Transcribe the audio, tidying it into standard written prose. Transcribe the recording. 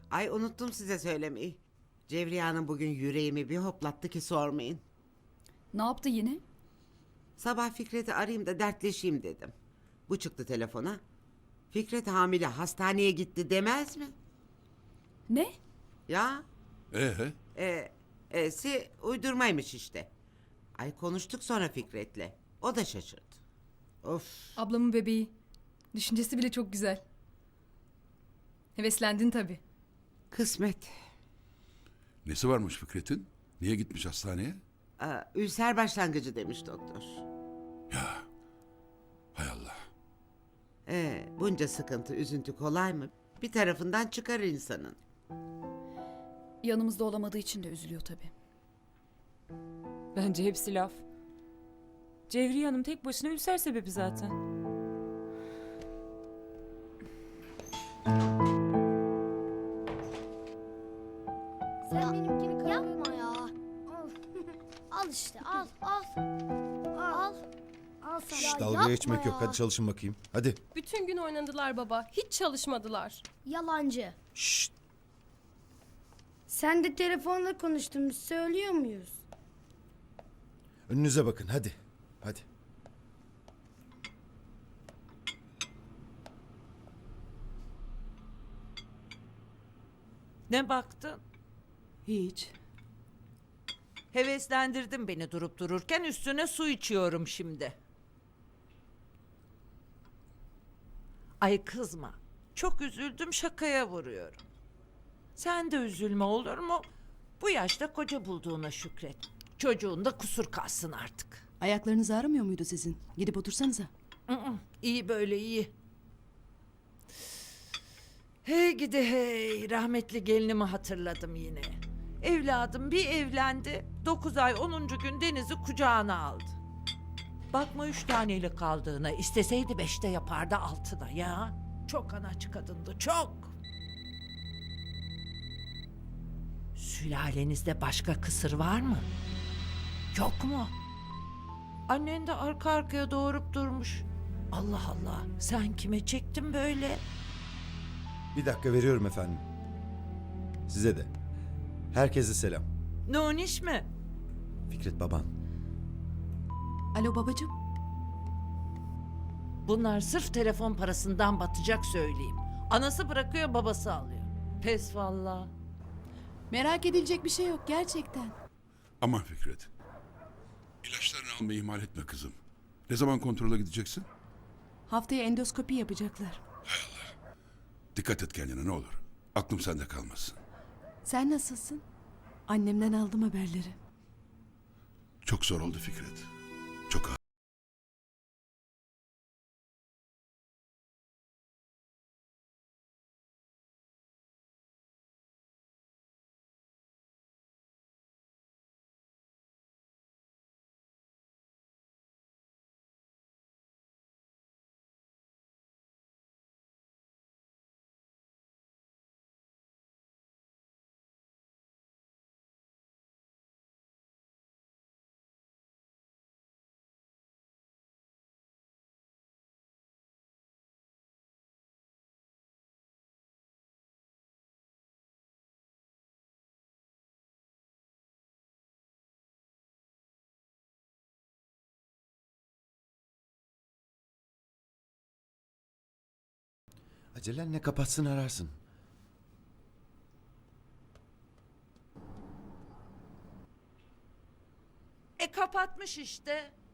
Ay unuttum size söylemeyi. Cevriye Hanım bugün yüreğimi bir hoplattı ki sormayın. Ne yaptı yine? Sabah Fikret'i arayayım da dertleşeyim dedim. Bu çıktı telefona. Fikret hamile hastaneye gitti demez mi? Ne? Ya Ee? si uydurmaymış işte. Ay konuştuk sonra Fikret'le. O da şaşırdı. Of. Ablamın bebeği. Düşüncesi bile çok güzel. Heveslendin tabii. Kısmet. Nesi varmış Fikret'in? Niye gitmiş hastaneye? Ülser başlangıcı demiş doktor. Ya hay Allah. Bunca sıkıntı, üzüntü kolay mı? Bir tarafından çıkar insanın. Yanımızda olamadığı için de üzülüyor tabii. Bence hepsi laf. Cevriye Hanım tek başına ülser sebebi zaten. Sen benimkini kırma ya. Al işte al. Al. Al sen. Şş, Ya dalga yapma geçmek yok. ya. Hadi çalışın bakayım. Hadi. Bütün gün oynadılar baba. Hiç çalışmadılar. Yalancı. Şşt. Sen de telefonla konuştuğumuzu söylüyor muyuz? Önünüze bakın. Hadi. Hadi. Ne baktın? Hiç. Heveslendirdin beni durup dururken üstüne su içiyorum şimdi. Ay kızma. Çok üzüldüm şakaya vuruyorum. Sen de üzülme olur mu? Bu yaşta koca bulduğuna şükret. Çocuğun da kusur kalsın artık. Ayaklarınız ağrımıyor muydu sizin? Gidip otursanıza. İyi böyle iyi. Hey gidi hey, rahmetli gelinimi hatırladım yine. Evladım bir evlendi, 9 ay 10. gün Deniz'i kucağına aldı. Bakma 3 taneyle kaldığına, isteseydi 5'te yapardı 6'da ya. Çok anaç kadındı, çok. Sülalenizde başka kısır var mı? Yok mu? Annen de arka arkaya doğurup durmuş. Allah Allah, sen kime çektin böyle? Bir dakika veriyorum efendim. Size de. Herkese selam. Nuniş mi? Fikret baban. Alo babacığım. Bunlar sırf telefon parasından batacak söyleyeyim. Anası bırakıyor, babası alıyor. Pes valla. Merak edilecek bir şey yok gerçekten. Aman Fikret. İlaçlarını almayı ihmal etme kızım. Ne zaman kontrola gideceksin? Haftaya endoskopi yapacaklar. Dikkat et kendine ne olur. Aklım sende kalmasın. Sen nasılsın? Annemden aldım haberleri. Çok zor oldu Fikret. Çok ağır. Acelen ne kapatsın ararsın. Kapatmış işte.